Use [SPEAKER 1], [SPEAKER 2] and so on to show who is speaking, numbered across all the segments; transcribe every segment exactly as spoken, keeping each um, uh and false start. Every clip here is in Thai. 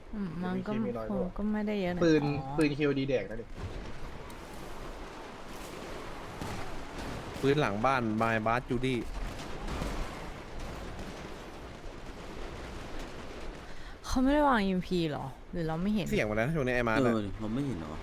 [SPEAKER 1] อืมมันก็
[SPEAKER 2] มีน้อย
[SPEAKER 1] ค
[SPEAKER 2] ก
[SPEAKER 1] ง
[SPEAKER 2] ว่า
[SPEAKER 1] ก็ไม่ได้เยอะนะ
[SPEAKER 2] ปืน
[SPEAKER 1] อ๋อ
[SPEAKER 2] ปืนคิวดีแดกนะดิ
[SPEAKER 3] พื้นหลังบ้านไมบาสจูดี้
[SPEAKER 1] เขาไม่ได้วาง อี เอ็ม พี หรอ หรือเราไม่เห็น
[SPEAKER 3] เสียงมาแล้วช่วงนี้ไอ้มา
[SPEAKER 4] เอ
[SPEAKER 3] ร์
[SPEAKER 4] อเราไม่เห็นเหรอ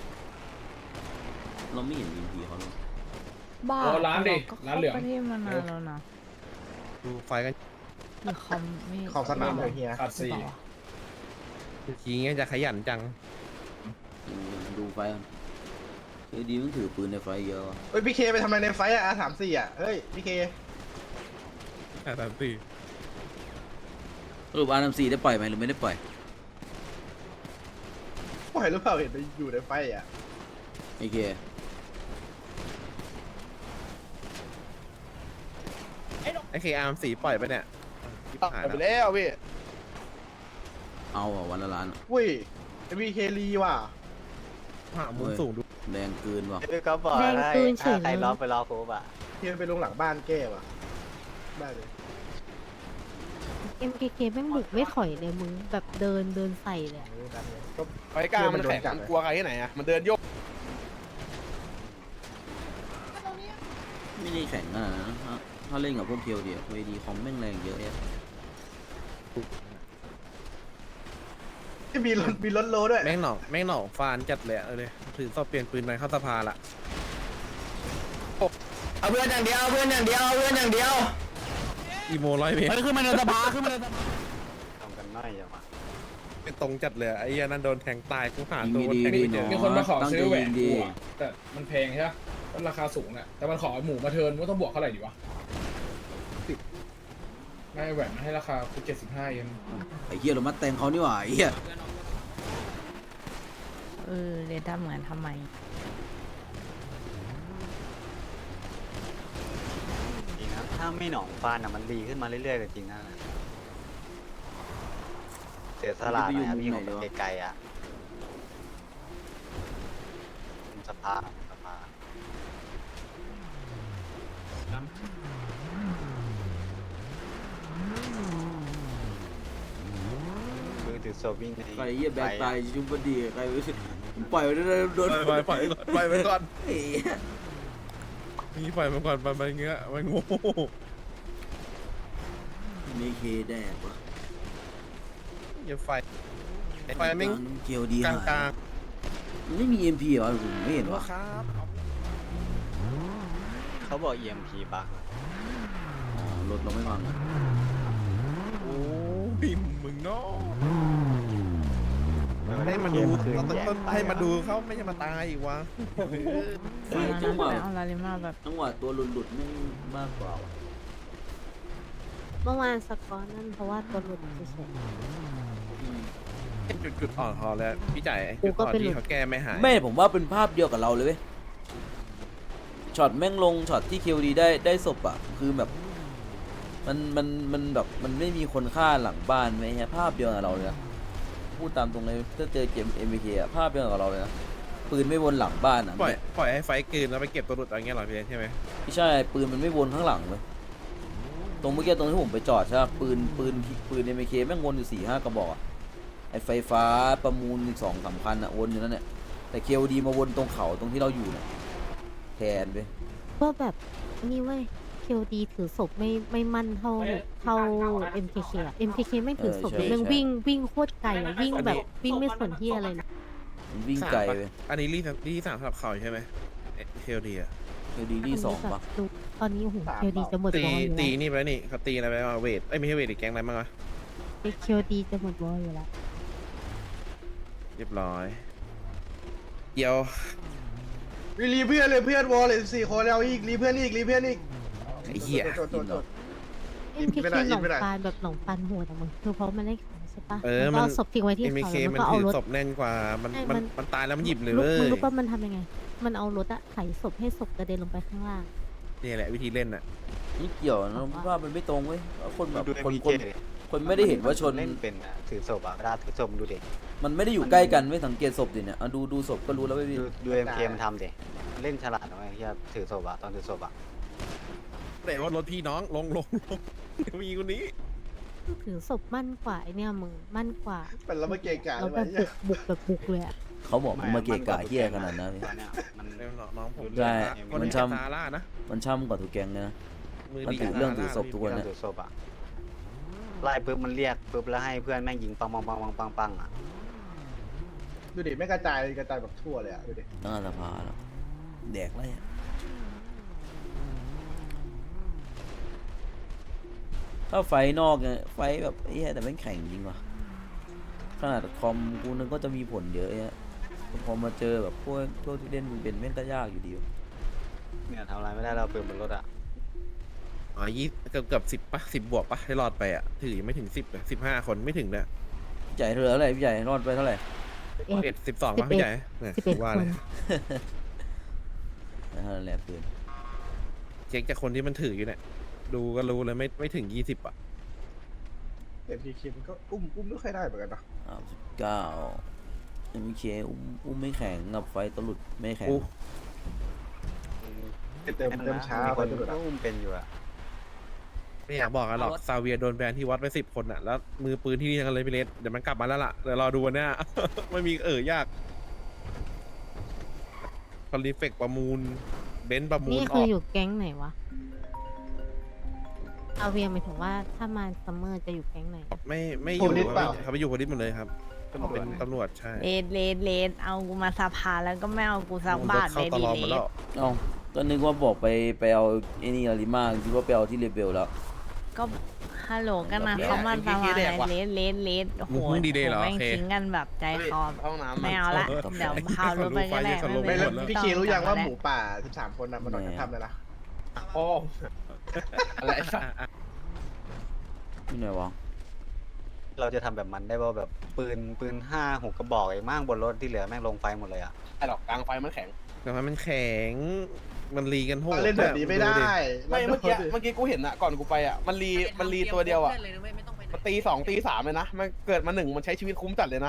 [SPEAKER 4] เราไม่เห็นอินพีเขาเลย
[SPEAKER 1] บ้า
[SPEAKER 5] โอ้ร้านดิ
[SPEAKER 1] ก็
[SPEAKER 5] ร้านเหลือง
[SPEAKER 1] เข้ประเทศมานานแล้วนะ
[SPEAKER 3] ดูไฟกัน
[SPEAKER 1] หรือเขาไม่
[SPEAKER 2] ของสนามเลยเฮีย
[SPEAKER 5] ขาด
[SPEAKER 1] หรือ
[SPEAKER 5] สี่
[SPEAKER 1] เปล่าวะ
[SPEAKER 3] ทีงี้จะขยันจัง
[SPEAKER 4] ดูดูไฟกันเคดีมันถือปืนในไฟเยอะวะ
[SPEAKER 2] เฮ้ยพี่เคไปทำอะไรในไฟอะอาสามสี่อะเฮ้ยพี่เค
[SPEAKER 3] แต่ตามตี
[SPEAKER 4] สรุปอาร์เอ็มซีได้ปล่อยไหมหรือไม่ได้ปล่อย
[SPEAKER 2] ปล่อยหรือเปล่าเห็นไปอยู่ในไฟอะ
[SPEAKER 4] โอเค
[SPEAKER 3] ไอ้เคอาร์มสีปล่อยไปเนี่ยชิบหาย
[SPEAKER 2] ไป
[SPEAKER 3] แล้ว
[SPEAKER 2] แล้วพี่
[SPEAKER 4] เอาอ่ะวันละล้านอะ
[SPEAKER 2] อุ้ยไอพีเครีว่ะ
[SPEAKER 3] หามุมสูงดู
[SPEAKER 4] แดงเกินว่ะ
[SPEAKER 6] พี่ก็บอก
[SPEAKER 1] แดง
[SPEAKER 6] ให้
[SPEAKER 1] ปืนเฉย
[SPEAKER 6] ใคร
[SPEAKER 1] เลย
[SPEAKER 6] ล็อกไปรอครบอ่ะ
[SPEAKER 2] พี่ไปลงหลังบ้านแก้ว่ะได้เลย
[SPEAKER 7] เอ็ม เค เค แม่งบุกไม่ถอยเลยมึงแบบเดินเดินใส่เลยอะ
[SPEAKER 2] เออได้เลยก็
[SPEAKER 3] ไฟกลางมันแข็งมันกลัวใครที่ไหนอะมันเดินโยก
[SPEAKER 4] ไม่ได้แข่งขนาดนั้นนะถ้าถ้าเล่นกับพวกเคียวเดียวเคดีคอมแม่งแรงเยอะแยะ
[SPEAKER 2] ที่มีรถมีรถโลด้วย
[SPEAKER 3] แม่งหนองแม่งหนองฟานจัดเลยอะเออเลยถือสอบเปลี่ยนปืนไปเข้าสภาละ
[SPEAKER 6] เอาเพื่อนอย่างเดียวเอาเพื่อนอย่างเดียวเอาเพื่อนอย่างเดียว
[SPEAKER 3] อีโมร้อยเมตร
[SPEAKER 6] ขึ้นมาในสภาขึ้นมาในสภาทำกันน้อยจังวะ
[SPEAKER 3] เป็นตรงจัดเลยอะไอ้เหี้ยนั่นโดนแทงตายกูหา
[SPEAKER 4] ยิง
[SPEAKER 3] ตัว
[SPEAKER 4] ดี
[SPEAKER 3] แทง
[SPEAKER 4] ดี
[SPEAKER 3] ไม่เจ
[SPEAKER 4] เนาะ
[SPEAKER 3] อ
[SPEAKER 5] มีคนมาขอ
[SPEAKER 4] ตั้ง
[SPEAKER 5] ซื้
[SPEAKER 4] ใจ
[SPEAKER 5] อแหว
[SPEAKER 4] ยิ
[SPEAKER 5] น
[SPEAKER 4] ง
[SPEAKER 5] กู
[SPEAKER 4] ดี
[SPEAKER 5] อะแต่มันแพงใช่ไหมก็ราคาสูงน่ะแต่มันขอหมูมาเทิร์นว่าต้องบวกเท่าไหร่ดีวะไม่แหวนให้ราคาคือเจ็ดสิบห้าเอง
[SPEAKER 4] ไอ้เหี้ยเรามาแต่งเขานี่หว่าไอ้เหี้ย
[SPEAKER 1] เออเรียนทำเหมือนทำไม
[SPEAKER 6] จริงนะถ้าไม่หนองฟานอ่ะมันดีขึ้นมาเรื่อยๆก็จริงนะเสียสละหน่อยอะพี่ผมไปไกลๆอ่ะสภาสภามือถือโซวิ่งใน
[SPEAKER 4] ใครเหี้ยแบกตายชุบพอดีใครรู้สึกผมปล่อยไปโดนโดน
[SPEAKER 3] ปล่อยปล่อยปล่อยไปก่อน
[SPEAKER 4] เฮ้ย
[SPEAKER 3] นี่ปล่อยมันก่อนไปไปเงี้ยมันโง่
[SPEAKER 4] มีเคแดกว่ะ
[SPEAKER 3] อย่าไฟไฟแม่ง
[SPEAKER 4] เกียวดี
[SPEAKER 3] กลางกลาง
[SPEAKER 4] มันไม่มีเอ็มพีเหรอผมไม่เห็น
[SPEAKER 3] ๆ
[SPEAKER 4] ว่ะ
[SPEAKER 3] ครับ
[SPEAKER 6] เขาบอก อี เอ็ม พี บัก
[SPEAKER 4] อ๋อรถเราไม่ฟังอะ
[SPEAKER 3] โอ้บิมมึงเนาะให้มาดูเราต้องต้นให้มาดูเขาไม่ใช่มาตายอีกวะ
[SPEAKER 4] ไฟ
[SPEAKER 1] ตอน
[SPEAKER 4] จั
[SPEAKER 1] นั้
[SPEAKER 4] ง
[SPEAKER 1] น
[SPEAKER 4] หวะ
[SPEAKER 1] ไปเอาลาลิมาแบบ
[SPEAKER 4] จังหวะตัวหลุดหลุดๆไม่มากกว่าว่ะ
[SPEAKER 7] เมื่อวานสกอร์นั่นเพราะว่าตัวหลุดเฉย
[SPEAKER 4] อืม
[SPEAKER 3] จุดจุดอ่อนพอแล้วพี่จ่าย
[SPEAKER 7] กู
[SPEAKER 3] จุด
[SPEAKER 7] ก็
[SPEAKER 3] อ่อน
[SPEAKER 7] เป็น
[SPEAKER 3] ที่เขาแก้ไม่หาย
[SPEAKER 4] ไม่ผมว่าเป็นภาพเดียวกับเราเลยเว้ยช็อตแม่งลงช็อตที่เคียวดีได้ได้ศพอ่ะคือแบบ มันมันมันแบบมันไม่มีคนฆ่าหลังบ้านไหมฮะภาพเดียวกับเราเลยนะพูดตามตรงเลยถ้าเจอเกมเอ็มบีเคอะภาพเดียวกับเราเลยนะปืนไม่วนหลังบ้านอ่ะ
[SPEAKER 3] ปล่อยปล่อยให้ไฟกลืนแล้วไปเก็บตัวหลุดอะไรเงี้ยเหรอพี่ใช่ไหม
[SPEAKER 4] ไม่ใช่ปืนมันไม่วนข้างหลังเลยตรงเมื่อกี้ตรงที่ผมไปจอดใช่ปะปืนปืนปืนเอ็มบีเคแม่งวนอยู่สี่ห้ากระบอกอะไอไฟฟ้าประมูลอีกสองสามพันอ่ะวนอยู่นั่นแหละแต่เคดีมาวนตรงเขาตรงที่เราอยู่เนี่ยแทนไป
[SPEAKER 7] ๆก็แบบนี่เว้ย เค ดี ถือศพไม่ไม่มั่นเท่าเท่า เอ็ม เค เค อะ เอ็ม เค เค ไม่งถือศพเลยแม่งวิ่งวิ่งโคตรไกลอะวิ่งแบบวิ่งไม่สนที่อะไรเลย
[SPEAKER 4] มันวิ่งไกลไป
[SPEAKER 3] อันนี้รีสรีสามสำหรับเขาใช่ไหมเฮลดีอะ
[SPEAKER 4] เคดีที่สองปะ
[SPEAKER 7] ดูตอนนี้โอ้โห เค ดี จะหมด
[SPEAKER 3] ตี
[SPEAKER 7] วอลอยู่
[SPEAKER 3] ตี
[SPEAKER 7] แล้ว
[SPEAKER 3] นี่ไปแล้วนี่เขาตีอะไรไปมาเวทเอ้ยไม่ใช่เวทอีกแก๊งอะไรบ้างวะ
[SPEAKER 7] เค ดี จะหมดวอลอยู่แล้ว
[SPEAKER 3] เรียบร้อยเดี๋ยว
[SPEAKER 2] รีรีเพื่อนเลยเพื่อนวอลเลยสี่คนแล้วอีกรีเพื่อนอีกรีเพื่อนอีก
[SPEAKER 3] ไอ้เหี้ย
[SPEAKER 2] โทษโทษโทษ
[SPEAKER 7] เอ็ม เค
[SPEAKER 2] ไม่
[SPEAKER 7] เค
[SPEAKER 2] ได้
[SPEAKER 7] หนอง
[SPEAKER 2] ไม่ได้
[SPEAKER 7] ปานแบบหนองปานโหดอะมึงคือเพราะมันได้ขายใช่ปะ
[SPEAKER 3] เออ
[SPEAKER 7] แล้ว
[SPEAKER 3] มั
[SPEAKER 7] ก็
[SPEAKER 3] น
[SPEAKER 7] เอาศพทิ้งไว้ที่
[SPEAKER 3] เอ็ม
[SPEAKER 7] เขา
[SPEAKER 3] เค
[SPEAKER 7] แล้ว
[SPEAKER 3] มัน
[SPEAKER 7] ก็เอา
[SPEAKER 3] ถือ
[SPEAKER 7] รถ
[SPEAKER 3] ศพแน่นกว่ามัน
[SPEAKER 7] ใช่
[SPEAKER 3] มัน
[SPEAKER 7] มัน
[SPEAKER 3] มันตายแล้วมันหยิบเลย
[SPEAKER 7] มึ
[SPEAKER 3] เว้
[SPEAKER 7] ง
[SPEAKER 3] ย
[SPEAKER 7] รู้ป่ะมันทำยังไง มันเอารถอะไถศพให้ศพกระเด็นลงไปข้างล่าง
[SPEAKER 3] นี่แหละวิธีเล่นอะ
[SPEAKER 4] นี่เกี่ยวนะว่ามันไม่ตรงเว้ยคนแบบ
[SPEAKER 6] ดู
[SPEAKER 4] คน
[SPEAKER 6] เอ็ม
[SPEAKER 4] ค
[SPEAKER 6] พี
[SPEAKER 4] น
[SPEAKER 6] เคดิ
[SPEAKER 4] คนไม่ได้เห็นว่าชน
[SPEAKER 6] เล่นเป็นอะถือศพอะเวลาถือศพมึงดูดิ
[SPEAKER 4] มันไม่ได้อยู่ใกล้กันไม่สังเกตศพดิเนี่ยเอาดูดูศพก็รู้แล้วไม่พี่
[SPEAKER 6] ดูดูเอ็มเคมันทำดิเล่นฉลาดนะไอ้เหี้ยถือศพอะตอนถือศพอะ
[SPEAKER 3] แต่ว่ารถพี่น้องลงลงลงมีคนนี้
[SPEAKER 7] ถือศพมั่นกว่าไอเนี่ยมึงมั่นกว่า
[SPEAKER 2] เป็นแล้วมาเกะกะ
[SPEAKER 7] แล้
[SPEAKER 2] เล
[SPEAKER 7] วย แบบบุกบุกแบบบุกเลยอะ
[SPEAKER 4] เขาบอกมึงมาเกะกะเฮียขนาดนั้น
[SPEAKER 6] ตอนเนี้ยมัน
[SPEAKER 3] เรื่องน้องผม
[SPEAKER 4] ใช่
[SPEAKER 3] คน
[SPEAKER 4] มัน
[SPEAKER 3] ที่
[SPEAKER 4] ช้ำ
[SPEAKER 3] ซาร่านะ
[SPEAKER 4] มันช่ำกว่าทุกแก๊งเลยนะ
[SPEAKER 3] มือ
[SPEAKER 4] มัน
[SPEAKER 3] ดี
[SPEAKER 4] ถือ
[SPEAKER 3] กับ
[SPEAKER 4] เรื่อง
[SPEAKER 3] ซา
[SPEAKER 4] ถือศพทุกวัน
[SPEAKER 6] เรื่องถือศพอะไล่ปุ๊บมันเรียกปุ๊บแล้วให้เพื่อนแม่งยิงปังปังปังปังปังปังอะ
[SPEAKER 2] ดูดิไม่กระจายกระจายแบบทั่วเลยอ่ะดูดิ
[SPEAKER 4] หน้าสภาแล้วแดกไรอะถ้าไฟนอกเนี่ยไฟแบบไอ้เหี้ยแต่แม่งแข็งจริงว่ะขนาดคอมกูนึกก็จะมีผลเยอะแยะแต่พอมาเจอแบบพวกพวกที่เล่นมึงเป็นแม่งก็ยากอยู่ดีวะ
[SPEAKER 6] เนี่ยทำอะไรไม่ได้เราปืนบนรถอะ
[SPEAKER 3] อ๋อยี่เกือบเกือบสิบปะสิบบวกปะให้รอดไปอ่ะถือยังไม่ถึงสิบเลยสิบห้าคนไม่ถึงเลย
[SPEAKER 4] พี่ใหญ่เหลืออะไรพี่ใหญ่รอดไปเท่าไหร่
[SPEAKER 3] เอ็ดสิบสองปะพี่ใหญ่เนี่ย
[SPEAKER 7] สิบเอ็ด
[SPEAKER 3] ว่า
[SPEAKER 7] ค
[SPEAKER 3] เล
[SPEAKER 7] น
[SPEAKER 3] ย
[SPEAKER 4] นั่นแหละปืน
[SPEAKER 3] เช็คจากคนที่มันถืออยู่เนี่ยดูก็รู้เลยไม่ไม่ถึงยี่สิบอ่ะ
[SPEAKER 2] เอ็มพีคิมก็อุ้มอุ้มไม่ค่อยได้เหมือนกันนะ
[SPEAKER 4] สามสิบเก้าเอ็มเคอุ้มอุ้มไม่แข็งกับไฟตลุดไม่แข็ง
[SPEAKER 3] อู้
[SPEAKER 2] เต็มเต็มช้า
[SPEAKER 6] มี
[SPEAKER 2] ไป
[SPEAKER 6] คน
[SPEAKER 2] ทุกคน
[SPEAKER 6] ก็อุ้มเป็นอยู่อะ
[SPEAKER 3] ไม่อยากบอกกันหรอกซาเวียโดนแบนที่วัดไปสิบคนอ่ะแล้วมือปืนที่นี่ทั้งนั้นเลยพี่เลสเดี๋ยวมันกลับมาแล้วล่ะเดี๋ยวรอดูวันเนี้ย ไม่มีเออยากคอลิเฟกประมูลเบนซ์ประมูล
[SPEAKER 7] นี่
[SPEAKER 3] อ
[SPEAKER 7] คือ
[SPEAKER 3] อก
[SPEAKER 7] อยู่แก๊งไหนวะเอาเวียหมายถึงว่าถ้ามาซัมเมอร์จะอยู่แก๊งไหน
[SPEAKER 3] ไม่ไม่อยู่เขาไปอยู่โพลิสหมดเลยครับเขาเป็นตำรวจใช่
[SPEAKER 1] เลดเลดเลดเอากูมาสภาแล้วก็ไม่เอากูสักบาท
[SPEAKER 3] เข้า
[SPEAKER 1] เลย
[SPEAKER 3] ต
[SPEAKER 1] ดี
[SPEAKER 3] ลอด
[SPEAKER 1] เล
[SPEAKER 3] หมด
[SPEAKER 1] ด
[SPEAKER 3] แล้ว
[SPEAKER 4] เอ้าก็นึกว่าบอกไปไปเอาไอ้นี่อาริมาคิดว่าไปเอาที่เรเบลแล้ว
[SPEAKER 1] ก็ฮัลโหลกันนะเขามาสภาเลดเลดเลดโอ้โห
[SPEAKER 3] มึงดีเดย์เหรอ
[SPEAKER 1] แม่ง
[SPEAKER 3] โอเค
[SPEAKER 1] ทิ้งกันแบบใจคอ
[SPEAKER 2] ห้องน้ำ
[SPEAKER 1] ไม่เอาละ
[SPEAKER 3] เออ
[SPEAKER 1] เดี๋ยวพาวรถไปก็ได้
[SPEAKER 3] เขารู้
[SPEAKER 2] ไม่
[SPEAKER 3] ไฟ
[SPEAKER 2] แล้ว
[SPEAKER 3] หมดแล้ว
[SPEAKER 2] พี่เครู้ยังว่าหมูป่าสิบสามคนน่ะมันออกจากถ้ำเลยนะ
[SPEAKER 5] โอ้อะไรสัก
[SPEAKER 4] ที่ไหนวะ
[SPEAKER 6] เราจะทำแบบมันได้ป่ะแบบปืนปืนห้าหกกระบอกไอ้มั่งบนรถที่เหลือแม่งลงไฟหมดเลยอะ
[SPEAKER 5] ไอ้หรอกกลางไฟมันแข็ง
[SPEAKER 3] แต่ว่ามันแข็งมันรีกันโหด
[SPEAKER 2] เล่นแบบนี้ไม่ได้
[SPEAKER 5] ไม่เมื่อกี้เมื่อกี้กูเห็นอะก่อนกูไปอะมันรีมันรีตัวเดียวอะมันตีสองตีสามเลยนะมันเกิดมาหนึ่งมันใช้ชีวิตคุ้มจัดเลยนะ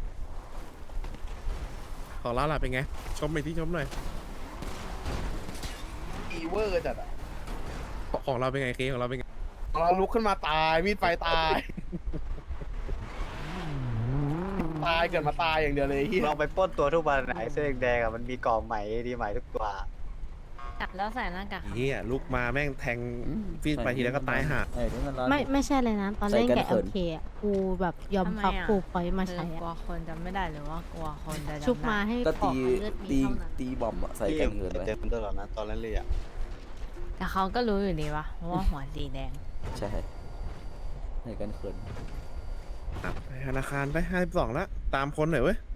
[SPEAKER 3] ของเราล่ะเป็นไง ชมไปที่ชมหน่อย
[SPEAKER 5] อีเวอร์จัดอะ
[SPEAKER 3] ของเราเป็นไงเคของเราเป็นไง
[SPEAKER 5] เราลุกขึ้นมาตายมีดไฟตาย ตายเกิดมาตายอย่างเดียวเลยที่
[SPEAKER 6] เราไปปล้นตัวทุกวันไอ้เสื้อแดงๆอะมันมีกล่องใหม่ดีใหม่ทุกตัว
[SPEAKER 1] จับแล้วใส่หน้ากาก
[SPEAKER 3] เฮียลุกมาแม่งแทงฟีดไปทีแล้วก็ตายห่า
[SPEAKER 4] ไอ้ที่มันร้าน
[SPEAKER 7] ไม่ไม่ใช่เลยนะ ตอนเล่น
[SPEAKER 4] ใส่กัน
[SPEAKER 7] กับ
[SPEAKER 4] เขิ
[SPEAKER 7] เอน เคอะกูแบบยอม
[SPEAKER 1] ทำไม
[SPEAKER 7] พัก
[SPEAKER 1] อะ
[SPEAKER 7] ฟูพอยต์มา
[SPEAKER 1] คื
[SPEAKER 7] ใช้
[SPEAKER 1] อกลัว
[SPEAKER 7] อะ
[SPEAKER 1] คนจำไม่ได้หรือว่ากลัวคนจะ
[SPEAKER 7] ชุบ
[SPEAKER 1] จำ
[SPEAKER 7] มา
[SPEAKER 1] ได้
[SPEAKER 7] ให้
[SPEAKER 4] ก็
[SPEAKER 7] ขอ
[SPEAKER 4] ตี
[SPEAKER 7] เลือด
[SPEAKER 4] ตี
[SPEAKER 7] มีเท่านั้น
[SPEAKER 4] ตีบอมอะใส่แกงเงินไว้
[SPEAKER 6] เจอตลอดนะตอนนั้นเลยอะ
[SPEAKER 1] แต่เขาก็รู้อยู่ดีวะว่าหัวสีแดง
[SPEAKER 4] ใช่ใส่กันเขิน
[SPEAKER 3] ไปธนาคารไปห้าสิบสองแล้วตามคนหน่อยเว้ย